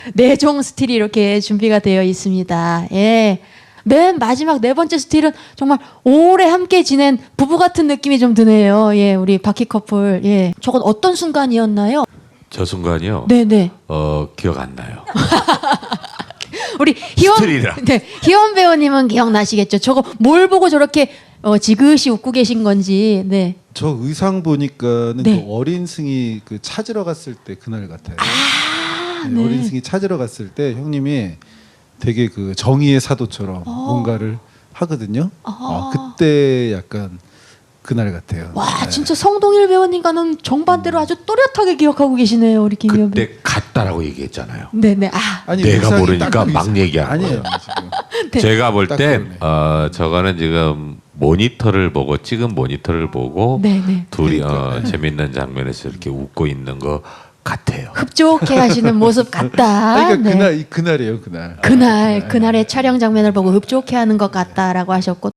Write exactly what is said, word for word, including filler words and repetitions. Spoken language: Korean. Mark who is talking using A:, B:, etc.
A: 네 종 스틸이 이렇게 준비가 되어 있습니다. 예. 맨 마지막 네 번째 스틸은 정말 오래 함께 지낸 부부 같은 느낌이 좀 드네요. 예, 우리 바퀴 커플. 예. 저건 어떤 순간이었나요?
B: 저 순간이요.
A: 네네.
B: 어 기억 안 나요.
A: 우리 희원,
B: 스틸이라.
A: 네, 희원 배우님은 기억나시겠죠? 저거 뭘 보고 저렇게 어, 지그시 웃고 계신 건지. 네.
C: 저 의상 보니까는
A: 네.
C: 그 어린 승이 그 찾으러 갔을 때 그날 같아요.
A: 아,
C: 네,
A: 네.
C: 어린 승이 찾으러 갔을 때 형님이 되게 그 정의의 사도처럼
A: 어.
C: 뭔가를 하거든요.
A: 아.
C: 어, 그때 약간 그날 같아요.
A: 와,
C: 네.
A: 진짜 성동일 배우님과는 정반대로 아주 또렷하게 기억하고 계시네요, 우리 김희원 배우.
B: 그때 같다라고 얘기했잖아요.
A: 네네. 아,
C: 아니,
B: 내가
C: 의상이
B: 모르니까
C: 딱 그
B: 막
C: 의상-
B: 얘기하는
C: 아니에요.
B: 거예요.
C: 지금.
A: 네.
B: 제가 볼
C: 딱
B: 때
C: 그러네.
B: 어, 저거는 지금 모니터를 보고 찍은 모니터를 보고
A: 네네.
B: 둘이 어,
C: 그러니까.
B: 재밌는 장면에서 이렇게 웃고 있는 것 같아요.
A: 흡족해 하시는 모습 같다.
C: 아니, 그러니까
A: 네.
C: 그날 이 그날이에요, 그날.
A: 그날
C: 네.
A: 그날의 촬영 장면을 보고 흡족해 하는 것 같다라고 하셨고